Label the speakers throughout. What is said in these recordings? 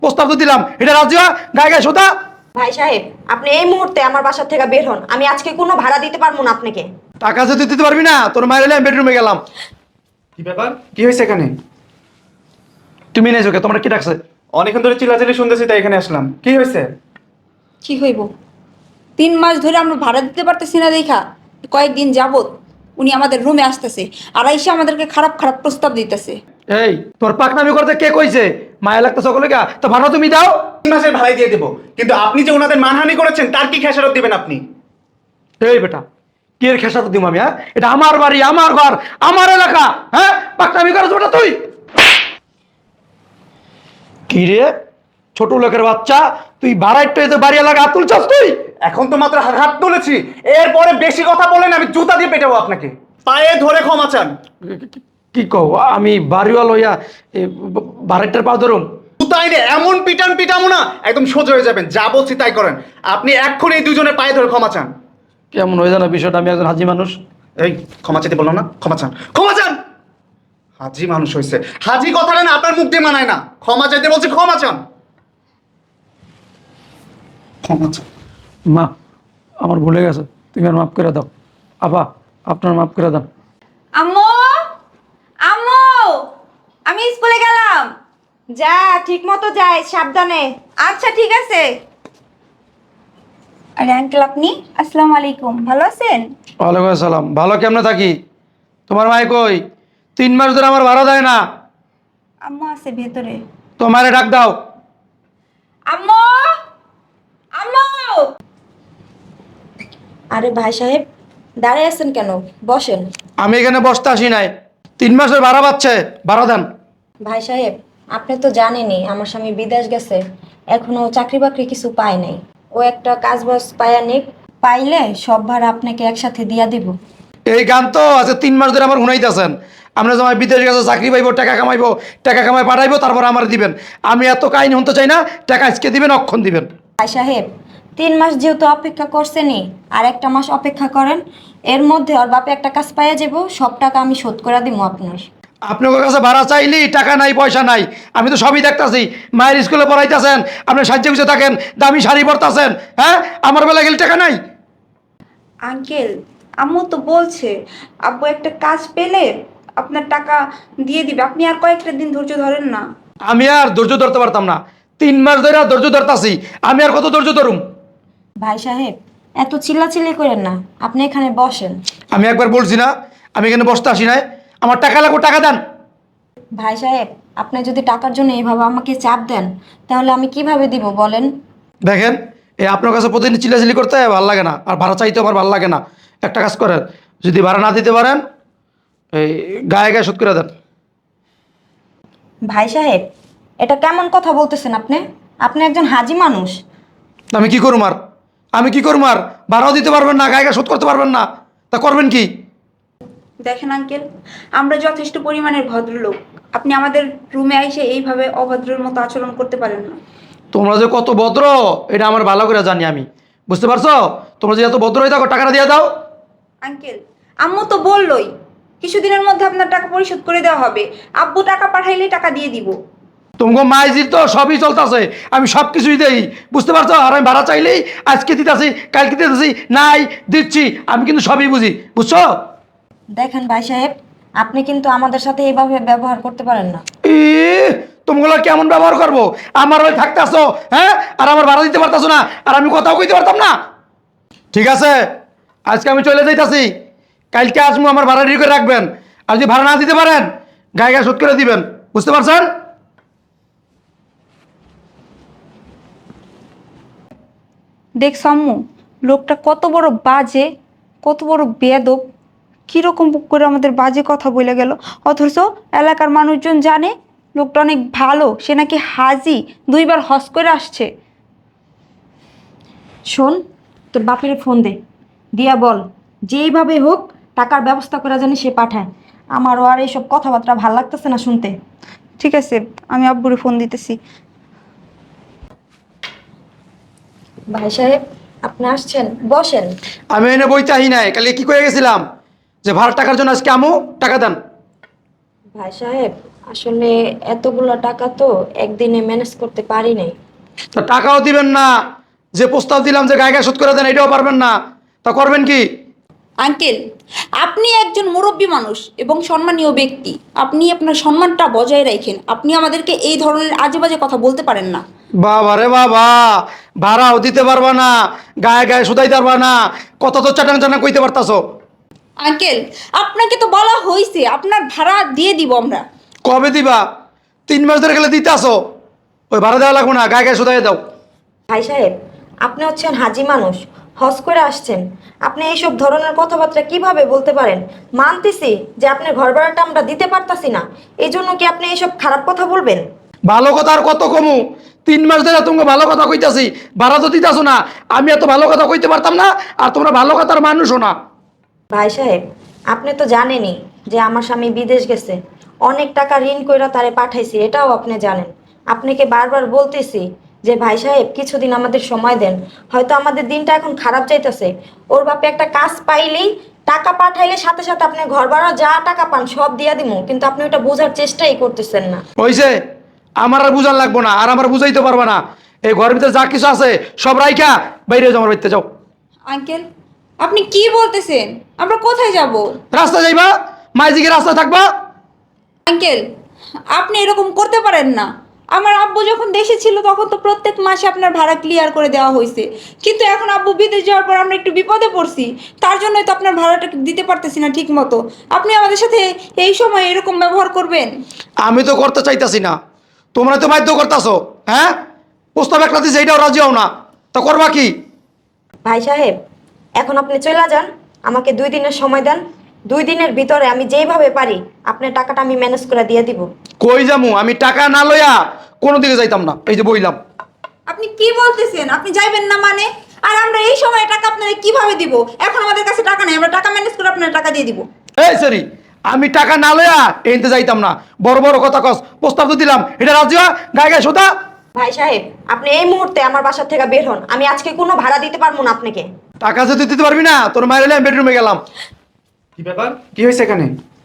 Speaker 1: প্রস্তাব তো দিলাম, এটা রাজি হওয়া গায়ে গায়ে সোতা।
Speaker 2: ভাই সাহেব, আপনি এই মুহূর্তে আমার বাসা থেকে বের হন। আমি আজকে কোনো ভাড়া দিতে পারবো না আপনাকে।
Speaker 1: টাকা যদি দিতে পারবি না, তোর মায়ের হলে আমি বেডরুমে গেলাম।
Speaker 3: কি ব্যাপার, কি হয়েছে এখানে?
Speaker 1: তুমি নেই চোখে, তোমরা কি ডাকছে?
Speaker 3: অনেকক্ষণ ধরে চিল্লাচিল্লি শুনতেছি, তাই এখানে আসলাম। কি হয়েছে?
Speaker 4: কি হইব? 3 মাস ধরে আমরা ভাড়া দিতে পারতেছি না দেখা কয়েকদিন যাবত উনি আমাদের রুমে আসতেছে আর এসে আমাদেরকে খারাপ খারাপ প্রস্তাব দিতেছে।
Speaker 1: এই তোর পাকনামি করতে কে কইছে? মায়া লাগতে সকলে গা, তো ভাড়া তুমি দাও।
Speaker 3: 3 মাসের ভাড়াই দিয়ে দেবো, কিন্তু আপনি যে ওনাদের মানহানি করেছেন তার কি খেসারত দিবেন আপনি?
Speaker 1: এই বেটা, কি এর খেসারত দিব আমি? হ্যাঁ, এটা আমার বাড়ি, আমার ঘর, আমার এলাকা। হ্যাঁ, পাকনামি করছ বেটা তুই। কি রে ছোট লোকের বাচ্চা, তুই ভাড়াইতে এসে বাড়ি এলাকা হাত তুলছস তুই?
Speaker 3: এখন তো মাত্র হাত তুলেছি, এরপরে বেশি কথা বলেন আমি জুতা দিয়ে পেটাবো আপনাকে। পায়ে ধরে ক্ষমা চান।
Speaker 1: কি কও? আমি বাড়িওয়াল হইয়া ভাড়াইটার পা ধরুম?
Speaker 3: জুতাই রে এমন পিটান পিটামো না, একদম সোজা হয়ে যাবেন। যা বলছি তাই করেন। আপনি এক্ষুনি এই দুজনের পায়ে ধরে ক্ষমা চান।
Speaker 1: কেমন হয়ে জানা বিষয়টা? আমি একজন হাজি মানুষ।
Speaker 3: এই ক্ষমা চাইতে বললাম না, ক্ষমা চান, ক্ষমা চান। হাজি মানুষ হয়েছে, হাজি কথাটা না আপনার মুখ দিয়ে মানায় না। ক্ষমা চাইতে বলছি, ক্ষমা চান, ক্ষমা চান।
Speaker 1: মা, আমার ভুলে গেছে, তুমি আর মাফ করে দাও। আপা, আপনার মাফ করে দাও।
Speaker 4: আম্মু, আম্মু, আমি স্কুলে গেলাম।
Speaker 2: যা, ঠিক মতো যাই, সাবধানে।
Speaker 4: আচ্ছা ঠিক আছে। আরে আঙ্কেল, আপনি? আসসালামু আলাইকুম, ভালো আছেন?
Speaker 1: ওয়ালাইকুম আসসালাম। ভালো কেমনে থাকি? তোমার মাই কই? 3 মাস ধরে আমার ভাড়া দেয় না।
Speaker 4: আম্মু আছে ভেতরে।
Speaker 1: তোমারে ডাক দাও।
Speaker 4: আম্মু, আম্মু।
Speaker 2: আরে ভাই সাহেব, দাঁড়িয়ে আছেন কেন? বসেন।
Speaker 1: আমি এখানে বসতে আসি নাই। 3 মাসের ভাড়া পাচ্ছে, ভাড়া দেন।
Speaker 2: ভাই সাহেব, আপনি তো জানেনই আমার স্বামী বিদেশ গেছে, এখনো চাকরি বাকরি কিছু পায় নাই। ও একটা কাজ বাজ পায়া নিক, পাইলে সব ভাড়া আপনাকে একসাথে দিয়া দিব।
Speaker 1: এই গান তো আছে 3 মাস ধরে আমার শুনাইতেছেন। আমরা যখন বিদেশ গেছে চাকরি পাইবো, টাকা কামাইবো, টাকা কামাই পাঠাইবো, তারপর আমার দিবেন। আমি এত কাহিনী শুনতে চাই না। টাকা আজকে দিবেন, অক্ষণ দিবেন।
Speaker 2: ভাই সাহেব, 3 মাস যেহেতু অপেক্ষা করছেনই, আর একটা মাস অপেক্ষা করেন। এর মধ্যে ওর বাপে একটা কাজ পাইয়া যাব, সব টাকা আমি শোধ করে দিব আপনার।
Speaker 1: আপনার কাছে ভাড়া চাইলি টাকা নাই, পয়সা নাই। আমি তো সবই দেখতাছি। মায়ের স্কুলে পড়াইতেছেন, আপনি সাহায্য খুঁজে থাকেন, দামি শাড়ি পরতাছেন। হ্যাঁ, আমার বেলা গেলে টাকা নাই।
Speaker 4: আঙ্কেল, আম্মু তো বলছে আব্বু একটা কাজ পেলে আপনার টাকা দিয়ে দিবে। আপনি আর কয়েকটা দিন ধৈর্য ধরেন না।
Speaker 1: আমি আর ধৈর্য ধরতে পারতাম না। 3 মাস ধরে আর ধৈর্য ধরতাছি। আমি আর কত ধৈর্য ধরুম?
Speaker 2: ভাই সাহেব, এত চিল্লাচিল্লি করেন না, আপনি এখানে বসেন।
Speaker 1: আমি একবার বলছি না, আমি এখানে বসতে আসি নাই। আমার টাকা লাগবে, টাকা দেন।
Speaker 2: ভাই সাহেব, আপনি যদি টাকার জন্য এইভাবে আমাকে চাপ দেন, তাহলে আমি কিভাবে দিব বলেন?
Speaker 1: দেখেন, এই আপনার কাছে প্রতিদিন চিল্লাচিল্লি করতে ভালো লাগে না, আর ভাড়া চাইতে আমার ভালো লাগে না। একটা কাজ করেন, যদি ভাড়া না দিতে পারেন, এই গায়ে গায়ে শোধ করে দেন।
Speaker 2: ভাই সাহেব, এটা কেমন কথা বলতেছেন আপনি? আপনি একজন হাজি মানুষ।
Speaker 1: আমি কি করুম আর? আমি কি করুম আর? ভাড়াও দিতে পারবেন না, গায়ে গায়ে শোধ করতে পারবেন না, তা করবেন কি?
Speaker 4: দেখেন আঙ্কেল, আমরা যথেষ্ট পরিমাণের ভদ্রলোক। আপনি আমাদের রুমে এসে এইভাবে অভদ্রের মতো আচরণ করতে পারেন না।
Speaker 1: তোমরা যে কত ভদ্র এটা আমার ভালো করে জানি আমি। বুঝতে পারছো? তোমরা যে এত ভদ্র হয়ে থাকো, টাকাটা দিয়ে দাও।
Speaker 4: আঙ্কেল, আম্মু তো বললোই কিছুদিনের মধ্যে আপনার টাকা পরিশোধ করে দেওয়া হবে। আব্বু টাকা পাঠাইলেই টাকা দিয়ে দিব।
Speaker 1: তোমাকে মাইজির তো সবই চলতেছে, আমি সব কিছুই দেই। বুঝতে পারছো? আর আমি ভাড়া চাইলেই আজকে দিতেছি, কালকে দিতেছি, নাই দিচ্ছি। আমি কিন্তু সবই বুঝি, বুঝছো?
Speaker 2: দেখেন ভাই সাহেব, আপনি কিন্তু আমাদের সাথে এইভাবে ব্যবহার করতে পারেন না।
Speaker 1: ই তোমগুলো কেমন ব্যবহার করবো? আমার ওই থাকতেছো, হ্যাঁ, আর আমার ভাড়া দিতে পারতাছো না, আর আমি কথাও কইতে পারতাম না। ঠিক আছে, আজকে আমি চলে যাইতাছি, কালকে আসবো, আমার ভাড়া রেডি করে রাখবেন। আর যদি ভাড়া না দিতে পারেন, গায়ে গায়ে শোধ করে দিবেন। বুঝতে পারছেন?
Speaker 4: দেখ আম্মু, লোকটা কত বড় বাজে, কত বড় বেয়াদব, কীরকম করে আমাদের বাজে কথা বলে গেল। অথচ এলাকার মানুষজন জানে লোকটা অনেক ভালো, সে নাকি হাজি, 2বার হজ করে আসছে।
Speaker 2: শোন, তোর বাপের ফোন দে, দিয়া বল যেইভাবে হোক টাকার ব্যবস্থা করা জানি সে পাঠায়। আমারও আর এইসব কথাবার্তা ভাল লাগতেছে না শুনতে।
Speaker 4: ঠিক আছে, আমি আব্বুরে ফোন দিতেছি।
Speaker 2: ভাই সাহেব, আপনি আসছেন, বসেন।
Speaker 1: আমি এনে বইতে আহি নাই, কালকে কি করে গেছিলাম যে ভাড়া টাকার জন্য আজকে আমু টাকা দেন।
Speaker 2: ভাই সাহেব, আসলে এতগুলো টাকা তো একদিনে ম্যানেজ করতে পারি নাই।
Speaker 1: তা টাকাও দিবেন না, যে প্রস্তাব দিলাম যে গায়ে গায়ে শোধ করে দেন এটাও পারবেন না, তা করবেন কি?
Speaker 4: আঙ্কেল, আপনি একজন মুরব্বী মানুষ এবং সম্মানীয় ব্যক্তি, আপনি আপনার সম্মানটা বজায় রাখেন। আপনি আমাদেরকে এই ধরনের আজে বাজে কথা বলতে পারেন না।
Speaker 1: বাবা রে বাবা, ভাড়াও দিতে পারবা না, গায়ে গায়ে শুধাইতে পারবা না, কত তো চাটান চাটান কইতে পারতাছো।
Speaker 4: আঙ্কেল, আপনাকে তো বলা হয়েছে আপনার ভাড়া দিয়ে দিব আমরা।
Speaker 1: কবে দিবা? 3 মাস ধরে গেলে দিতে আসো, ওই ভাড়া দেওয়া লাগবো না, গায়ে গায়ে শুধাই দাও।
Speaker 2: ভাই সাহেব, আপনি হচ্ছেন হাজি মানুষ, হজ করে আসছেন, আপনি এইসব ধরনের কথাবার্তা কিভাবে বলতে পারেন? মানতেছি যে আপনার ঘর ভাড়াটা আমরা দিতে পারতাছি না, এই জন্য কি আপনি এইসব খারাপ কথা বলবেন?
Speaker 1: ভালো কথা আর কত কমু? 3 মাস ধরে তোমাকে ভালো কথা কইতাছি, ভাড়া তো দিতাছো না। আমি এত ভালো কথা কইতে পারতাম না, আর তোমরা ভালো কথার মানুষও না।
Speaker 2: ভাই সাহেব, আপনি তো জানেনই যে আমার স্বামী বিদেশ গেছে, অনেক টাকা ঋণ কইরা তারে পাঠাইছি, এটাও আপনি জানেন। আপনাকে বারবার বলতেছি যে ভাই সাহেব কিছুদিন আমাদের সময় দেন, হয়তো আমাদের দিনটা এখন খারাপ যাইতেছে। ওর বাপে একটা কাজ পাইলেই টাকা পাঠাইলে সাথে সাথে আপনি ঘর ভাড়া যা টাকা পান সব দিয়া দিমু, কিন্তু আপনি ওটা বোঝার চেষ্টাই করতেছেন না।
Speaker 1: হইছে, আমার আর বুঝার লাগবো না, আর আমার বুঝাইতে পারবা না। এই ঘরের ভিতরে যা কিছু আছে সব রাইখা বাইরে যাও, আমার বাড়িতে যাও।
Speaker 4: আঙ্কেল, আপনি কি বলতেছেন? আমরা কোথায় যাব?
Speaker 1: রাস্তা যাইবা, মাইজিকে রাস্তা থাকবা।
Speaker 4: আঙ্কেল, আপনি এরকম করতে পারেন না। আমার আব্বু যখন দেশে ছিল তখন তো প্রত্যেক মাসে আপনার ভাড়া ক্লিয়ার করে দেওয়া হয়েছে, কিন্তু এখন আব্বু বিদেশ যাওয়ার পর আমরা একটু বিপদে পড়ছি, তার জন্যই তো আপনার ভাড়াটা দিতে পারতেছি না ঠিক মতো। আপনি আমাদের সাথে এই সময় এরকম ব্যবহার করবেন?
Speaker 1: আমি তো করতে চাইতাছি না, তোমরা তো বাধ্য করতেছো। হ্যাঁ, প্রস্তাব একটা দিছে, এইটাও রাজি হও না, তা করবা কি?
Speaker 2: ভাই সাহেব, এখন আপনি চলে যান, আমাকে 2 দিনের সময় দেন। 2 দিনের ভিতরে আমি যেইভাবে পারি আপনার টাকাটা আমি ম্যানেজ করে দিয়ে দিব।
Speaker 1: কই যামু? আমি টাকা না লইয়া কোনো দিকে যাইতাম না, এই যে বইলাম।
Speaker 4: আপনি কি বলতেছেন? আপনি যাইবেন না মানে? আর আমরা এই সময় টাকা আপনাদের কিভাবে দিব? এখন আমাদের কাছে টাকা নেই, আমরা টাকা ম্যানেজ করে আপনার টাকা দিয়ে দিব।
Speaker 1: এই সরি, আমি টাকা না লইয়া এনতে যাইতাম না। বড় বড় কথা কস, প্রস্তাব তো দিলাম, এটা রাজি হওয়া, গায়ে গায়ে শোধা।
Speaker 2: ভাই সাহেব, আপনি এই মুহূর্তে আমার বাসা থেকে বের হন, আমি আজকে কোনো ভাড়া দিতে পারবো না আপনাকে।
Speaker 1: টাকা যদি দিতে পারবি না, তোর মায়ের হলে আমি বেডরুমে গেলাম।
Speaker 3: কি ব্যাপার, কি হয়েছে এখানে?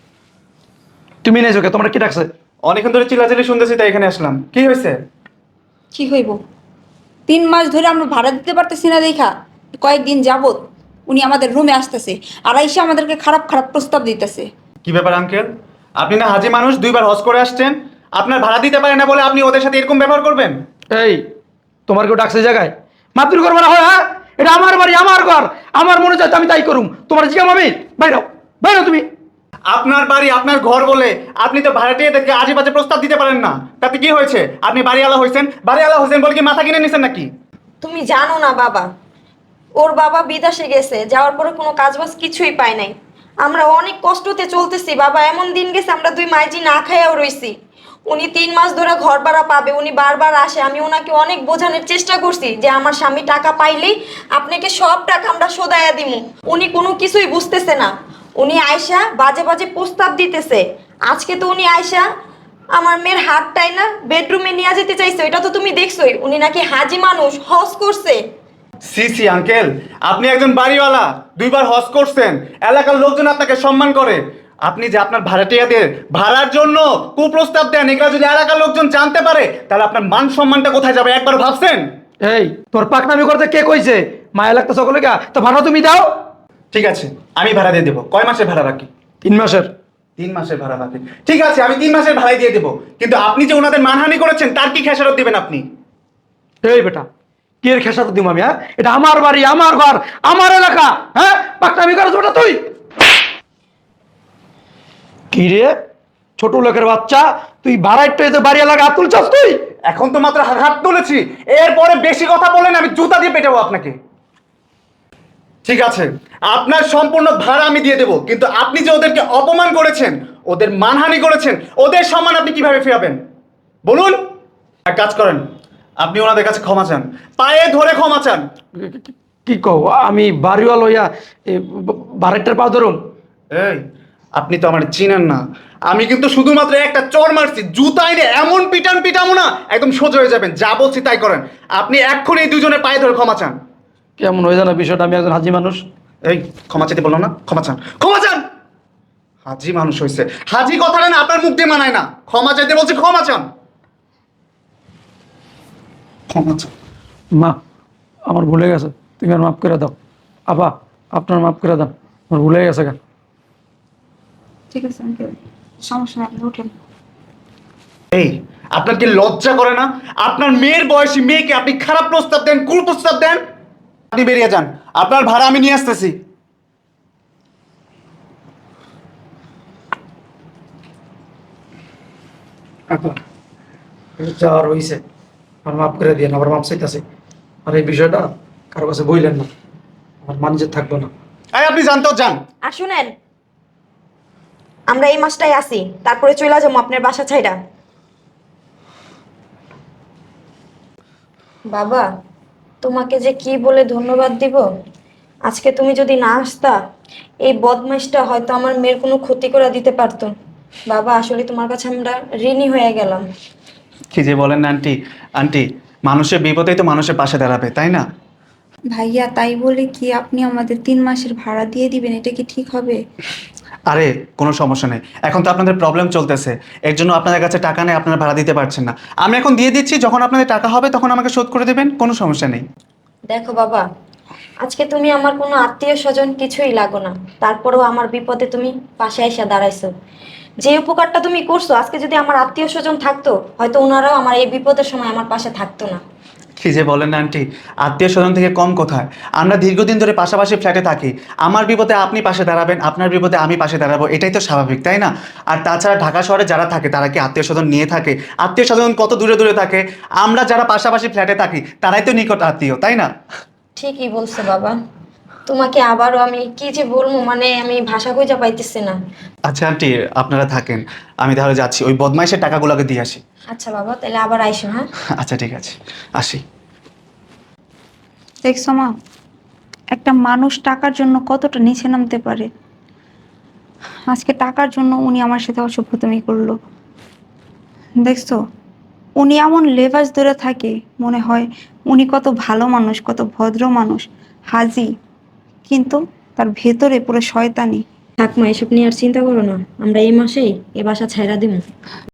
Speaker 1: তুমি নেই চোখে, তোমরা কি ডাকছে?
Speaker 3: অনেকক্ষণ ধরে চিল্লাচিল্লি শুনতেছি, তাই এখানে আসলাম। কি হয়েছে?
Speaker 4: কি হইব? 3 মাস ধরে আমরা ভাড়া দিতে পারতেছি না দেখা কয়েকদিন যাবত উনি আমাদের রুমে আসতেছে আর এসে আমাদেরকে খারাপ খারাপ প্রস্তাব দিতেছে।
Speaker 3: কি ব্যাপার আঙ্কেল, আপনি না হাজি মানুষ, 2 বার হজ করে আসছেন, আপনার ভাড়া দিতে পারে না বলে আপনি ওদের সাথে এরকম ব্যবহার করবেন?
Speaker 1: এই, তোমার কেউ ডাকছে জায়গায় মাতৃ করবো না হয়? হ্যাঁ, এটা আমার বাড়ি, আমার ঘর, আমার মনে চাই আমি তাই করুম। তোমার জিজ্ঞাম আমি, বাইরাও বাইরাও তুমি।
Speaker 3: আপনার বাড়ি আপনার ঘর বলে আপনি তো ভাড়াটিয়াদেরকে আজে বাজে প্রস্তাব দিতে পারেন না। তাতে কি হয়েছে? আপনি বাড়িওয়ালা হয়েছেন বলে কি মাথা কিনে নিছেন নাকি?
Speaker 2: তুমি জানো না বাবা, ওর বাবা বিদেশে গেছে, যাওয়ার পরে কোনো কাজবাজ কিছুই পায় নাই। আমরা অনেক কষ্টতে চলতেছি বাবা, এমন দিন গেছে আমরা 2 মাইজি না খাইয়াও রইছি। উনি 3 মাস ধরে ঘর ভাড়া পাবে, উনি বারবার আসে, আমি ওনাকে অনেক বোঝানোর চেষ্টা করছি যে আমার স্বামী টাকা পাইলেই আপনাকে সব টাকা আমরা শোধাইয়া দিমু। উনি কোনো কিছুই বুঝতেছে না, উনি আয়সা বাজে বাজে প্রস্তাব দিতেছে। আজকে তো উনি আয়সা আমার মেয়ের হাতটাই না বেডরুমে নিয়ে যেতে চাইছে, এটা তো তুমি দেখছোই। উনি নাকি হাজি মানুষ, হজ করছে।
Speaker 3: সি সি আঙ্কেল, আপনি একজন বাড়িওয়ালা, 2 বার হজ করছেন, এলাকার লোকজন আপনাকে সম্মান করে। আপনি যে আপনার ভাড়াটিয়াদের ভাড়ার জন্য কুপ্রস্তাব দেন, এগুলো যদি এলাকার লোকজন জানতে পারে তাহলে আপনার মান সম্মানটা কোথায় যাবে একবার ভাবছেন?
Speaker 1: এই, তোর পাকনামি করতে কে কইছে? মায়া লাগতো সকলে গা, তো ভাড়া তুমি দাও।
Speaker 3: ঠিক আছে, আমি ভাড়া দিয়ে দেবো। কয় মাসের ভাড়া বাকি?
Speaker 1: 3 মাসের।
Speaker 3: 3 মাসের ভাড়া বাকি, ঠিক আছে, আমি 3 মাসের ভাড়াই দিয়ে দেবো। কিন্তু আপনি যে ওনাদের মানহানি করেছেন তার কি খেসারত দিবেন আপনি?
Speaker 1: এই বেটা, কি এর খেসারত দিব আমি? হ্যাঁ, এটা আমার বাড়ি, আমার ঘর, আমার এলাকা। হ্যাঁ, পাকনামি করছ বেটা তুই? কি রে ছোট লোকের বাচ্চা, তুই ভাড়াইতে এসে বাড়ি এলাকা হাত তুলছস তুই?
Speaker 3: এখন তো মাত্র হাত তুলেছি, এরপরে বেশি কথা বলেন আমি জুতা দিয়ে পেটাবো আপনাকে। ঠিক আছে, আপনার সম্পূর্ণ ভাড়া আমি দিয়ে দেবো, কিন্তু আপনি যে ওদেরকে অপমান করেছেন, ওদের মানহানি করেছেন, ওদের সম্মান আপনি কিভাবে ফেরাবেন বলুন? এক কাজ করেন, আপনি ওনাদের কাছে ক্ষমা চান, পায়ে ধরে ক্ষমা চান।
Speaker 1: কি কও? আমি বাড়িওয়াল হইয়া ভাড়াইটার পা ধরুম?
Speaker 3: এই, আপনি তো আমার চিনেন না, আমি কিন্তু শুধুমাত্র একটা চর মারছি, জুতাই রে এমন পিটামো না একদম সোজা হয়ে যাবেন। যা বলছি তাই করেন। আপনি এক্ষুনি এই 2 জনের পায়ে ধরে ক্ষমা চান।
Speaker 1: কেমন হয়ে জানা বিষয়টা? আমি একজন হাজি মানুষ।
Speaker 3: এই, ক্ষমা চাইতে বললাম না? ক্ষমা চান, ক্ষমা চান। হাজি মানুষ হয়েছে, হাজি কথাটা না আপনার মুখ দিয়ে মানায় না। ক্ষমা চাইতে বলছি, ক্ষমা চান, ক্ষমা চান।
Speaker 1: মা, আমার ভুলে গেছে, তুমি আর মাফ করে দাও। আবা, আপনার মাফ করে দাও, আমার ভুলে গেছে গা।
Speaker 4: ঠিক আছে আঙ্কেল, সমস্যা নেই, আপনি উঠেন।
Speaker 3: এই, আপনার কি লজ্জা করে না? আপনার মেয়ের বয়সী মেয়েকে আপনি খারাপ প্রস্তাব দেন, কুপ্রস্তাব দেন। আপনি বেরিয়ে যান, আপনার ভাড়া আমি নিয়ে আসতেছি।
Speaker 1: আপা, যা আর হইছে, আমার মাফ করে দিয়ে, আবার মাফ চাইতেছি। আর এই বিষয়টা কারো কাছে বইলেন না, আমার মানুষের থাকবো না।
Speaker 3: এই, আপনি জানতেও যান।
Speaker 2: আর শুনেন, আমরা এই মাসটাই আসি, তারপরে চলে যাবো আপনার বাসা ছাইরা। বাবা, তোমাকে যে কি বলে ধন্যবাদ দিব। আজকে তুমি যদি না আসতা, এই বদমাইশটা হয়তো আমার মেয়ের কোনো ক্ষতি করে দিতে পারতো। বাবা, আসলে তোমার কাছে আমরা ঋণী হয়ে গেলাম।
Speaker 3: কি যে বলেন না আন্টি, আন্টি মানুষের বিপদেই তো মানুষের পাশে দাঁড়াবে, তাই না?
Speaker 4: ভাইয়া, তাই বলে কি আপনি আমাদের 3 মাসের ভাড়া দিয়ে দিবেন? এটা কি ঠিক হবে?
Speaker 3: আরে কোনো সমস্যা নেই, এখন তো আপনাদের প্রবলেম চলতেছে, এর জন্য আপনাদের কাছে টাকা নেই, আপনারা ভাড়া দিতে পারছেন না। আমি এখন দিয়ে দিচ্ছি, যখন আপনাদের টাকা হবে তখন আমাকে শোধ করে দেবেন, কোনো সমস্যা নেই।
Speaker 2: দেখো বাবা, আজকে তুমি আমার কোনো আত্মীয় স্বজন কিছুই লাগো না, তারপরেও আমার বিপদে তুমি পাশে এসে দাঁড়াইছো। যে উপকারটা তুমি করছো, আজকে যদি আমার আত্মীয় স্বজন থাকতো, হয়তো ওনারাও আমার এই বিপদের সময় আমার পাশে থাকতো না।
Speaker 3: কি যে বলেন না আন্টি, আত্মীয় স্বজন থেকে কম কোথায়? আমরা দীর্ঘদিন ধরে পাশাপাশি ফ্ল্যাটে থাকি, আমার বিপদে আপনি পাশে দাঁড়াবেন, আপনার বিপদে আমি পাশে দাঁড়াবো, এটাই তো স্বাভাবিক, তাই না? আর তাছাড়া ঢাকা শহরে যারা থাকে তারা কি আত্মীয় স্বজন নিয়ে থাকে? আত্মীয় স্বজন কত দূরে দূরে থাকে, আমরা যারা পাশাপাশি ফ্ল্যাটে থাকি তারাই তো নিকট আত্মীয়, তাই না?
Speaker 2: ঠিকই বলছো বাবা, তোমাকে আবারও আমি কি যে বলবো, মানে আমি ভাষা খুঁজে পাইতেছি না।
Speaker 3: আচ্ছা আন্টি, আপনারা থাকেন, আমি তাহলে যাচ্ছি, ওই বদমাইশের টাকাগুলোকে দিয়ে আসি।
Speaker 2: আচ্ছা বাবা, তাহলে আবার আইসো, হ্যাঁ?
Speaker 3: আচ্ছা ঠিক আছে, আসি।
Speaker 4: দেখছো মা, একটা মানুষ টাকার জন্য কতটা নিচে নামতে পারে। আজকে টাকার জন্য উনি আমার সাথে অসভ্যতামি করলো। দেখছো, উনি এমন লেবাস ধরে থাকে, মনে হয় উনি কত ভালো মানুষ, কত ভদ্র মানুষ, হাজি, কিন্তু তার ভেতরে পুরো শয়তানি।
Speaker 2: থাক মা, এসব নিয়ে আর চিন্তা করো না, আমরা এই মাসেই এ বাসা ছাইরা দিব।